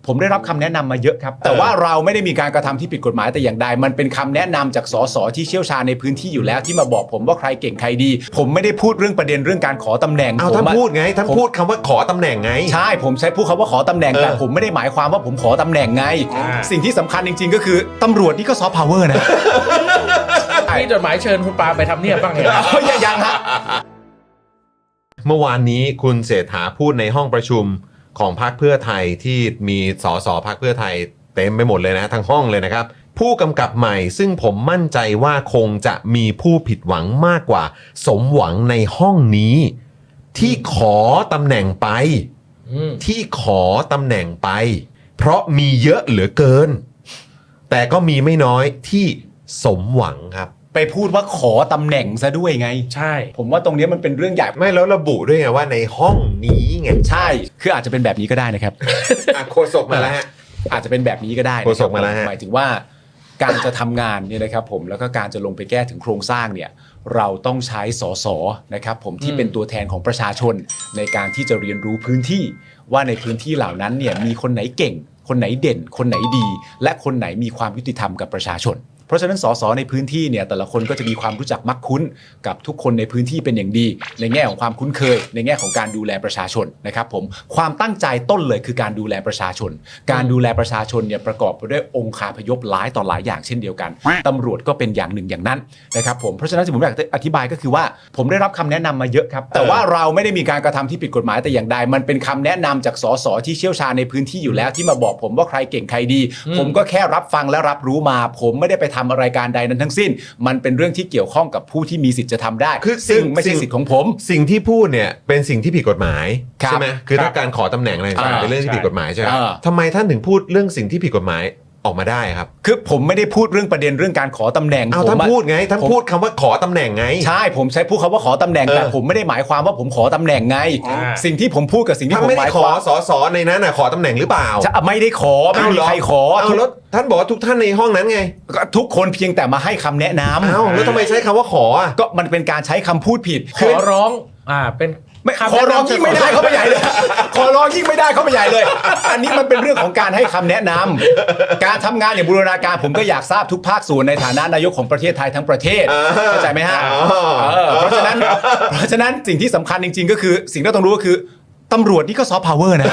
ผมได้รับคำแนะนำมาเยอะครับแต่ว่าเราไม่ได้มีการกระทำที่ผิดกฎหมายแต่อย่างใดมันเป็นคำแนะนำจากสสที่เชี่ยวชาญในพื้นที่อยู่แล้วที่มาบอกผมว่าใครเก่งใครดีผมไม่ได้พูดเรื่องประเด็นเรื่องการขอตำแหน่งเอาท่านพูดไงท่านพูดคำว่าขอตำแหน่งไงใช่ผมใช้พูดคำว่าขอตำแหน่งแต่ผมไม่ได้หมายความว่าผมขอตำแหน่งไงสิ่งที่สำคัญจริงๆก็คือตำรวจนี่ก็ซอฟต์พาวเวอร์นะมีจดหมายเชิญคุณปาไปทำเนียบบ้างไงยังฮะเมื่อวานนี้คุณเศรษฐาพูดในห้องประชุมของพรรคเพื่อไทยที่มีสสพรรคเพื่อไทยเต็มไปหมดเลยนะทั้งห้องเลยนะครับผู้กำกับใหม่ซึ่งผมมั่นใจว่าคงจะมีผู้ผิดหวังมากกว่าสมหวังในห้องนี้ที่ขอตำแหน่งไปที่ขอตำแหน่งไปเพราะมีเยอะเหลือเกินแต่ก็มีไม่น้อยที่สมหวังครับไปพูดว่าขอตำแหน่งซะด้วยไงใช่ผมว่าตรงนี้มันเป็นเรื่องใหญ่ไม่แล้วระบุด้วยไงว่าในห้องนี้ไงใช่คืออาจจะเป็นแบบนี้ก็ได้นะครับโฆษกมาแล้วฮะอาจจะเป็นแบบนี้ก็ได้โฆษกมาแล้วฮะหมายถึงว่าการจะทำงานเนี่ยนะครับผมแล้วก็การจะลงไปแก้ถึงโครงสร้างเนี่ยเราต้องใช้สสนะครับผมที่เป็นตัวแทนของประชาชนในการที่จะเรียนรู้พื้นที่ว่าในพื้นที่เหล่านั้นเนี่ยมีคนไหนเก่งคนไหนเด่นคนไหนดีและคนไหนมีความยุติธรรมกับประชาชนเพราะฉะนั้นสสในพื้นที่เนี่ยแต่ละคนก็จะมีความรู้จักมักคุ้นกับทุกคนในพื้นที่เป็นอย่างดีในแง่ของความคุ้นเคยในแง่ของการดูแลประชาชนนะครับผมความตั้งใจต้นเลยคือการดูแลประชาชนการดูแลประชาชนเนี่ยประกอบไปด้วยองค์คาพยพหลายต่อหลายอย่างเช่นเดียวกันตำรวจก็เป็นอย่างหนึ่งอย่างนั้นนะครับผมเพราะฉะนั้นที่ผมอยากอธิบายก็คือว่าผมได้รับคำแนะนำมาเยอะครับแต่ว่าเราไม่ได้มีการกระทำที่ผิดกฎหมายแต่อย่างใดมันเป็นคำแนะนำจากสสที่เชี่ยวชาญในพื้นที่อยู่แล้วที่มาบอกผมว่าใครเก่งใครดีผมก็แค่รับฟังและรับรู้มาผมไม่ได้ไปทำอะไรการใดทั้งสิ้นมันเป็นเรื่องที่เกี่ยวข้องกับผู้ที่มีสิทธิ์จะทำได้ซึ่งไม่ใช่สิทธิ์ของผมสิ่งที่พูดเนี่ยเป็นสิ่งที่ผิดกฎหมายใช่ไหมคือถ้าการขอตำแหน่งอะไรต่างๆเป็นเรื่องที่ผิดกฎหมายใช่ไหมทำไมท่านถึงพูดเรื่องสิ่งที่ผิดกฎหมายออกมาได้ครับคือผมไม่ได้พูดเรื่องประเด็นเรื่องการขอตำแหน่งท่านพูดไงท่านพูดคำว่าขอตำแหน่งไงใช่ผมใช้พูดคำว่าขอตำแหน่งแต่ผมไม่ได้หมายความว่าผมขอตำแหน่งไงสิ่งที่ผมพูดกับสิ่งที่ผมหมายความสสในนั้นขอตำแหน่งหรือเปล่าจะไม่ได้ขอไม่มีใครขอแล้วท่านบอกว่าทุกท่านในห้องนั้นไงทุกคนเพียงแต่มาให้คำแนะนำแล้วทำไมใช้คำว่าขอก็มันเป็นการใช้คำพูดผิดขอร้องเป็นขอร้องยิ่งไม่ได้เข้าไปใหญ่เลยขอร้องยิ่งไม่ได้เข้าไปใหญ่เลยอันนี้มันเป็นเรื่องของการให้คำแนะนำการทำงานอย่างบูรณาการผมก็อยากทราบทุกภาคส่วนในฐานะนายกของประเทศไทยทั้งประเทศเข้าใจไหมฮะเพราะฉะนั้นสิ่งที่สำคัญจริงๆก็คือสิ่งที่ต้องรู้ก็คือตำรวจนี่ก็ซอฟต์พาวเวอร์นะ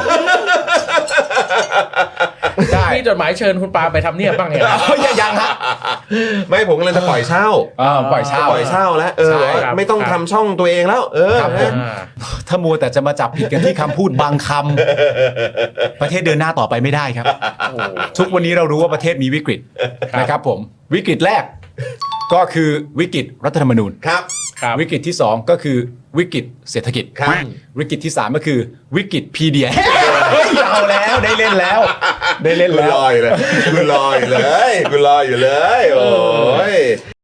มีจดหมายเชิญคุณปาไปทำเนียบบ้างไงยังฮะไม่ผมกำลังจะปล่อยเช่าปล่อยเช่าแล้วไม่ต้องทำช่องตัวเองแล้วถ้ามัวแต่จะมาจับผิดกันที่คำพูดบางคำประเทศเดินหน้าต่อไปไม่ได้ครับทุกวันนี้เรารู้ว่าประเทศมีวิกฤตนะครับผมวิกฤตแรกก็คือวิกฤตรัฐธรรมนูญครับวิกฤตที่2ก็คือวิกฤตเศรษฐกิจวิกฤตที่3ก็คือวิกฤตพีเดียเอาแล้วได้เล่นแล้วกูรออยู่เลยโอ้ย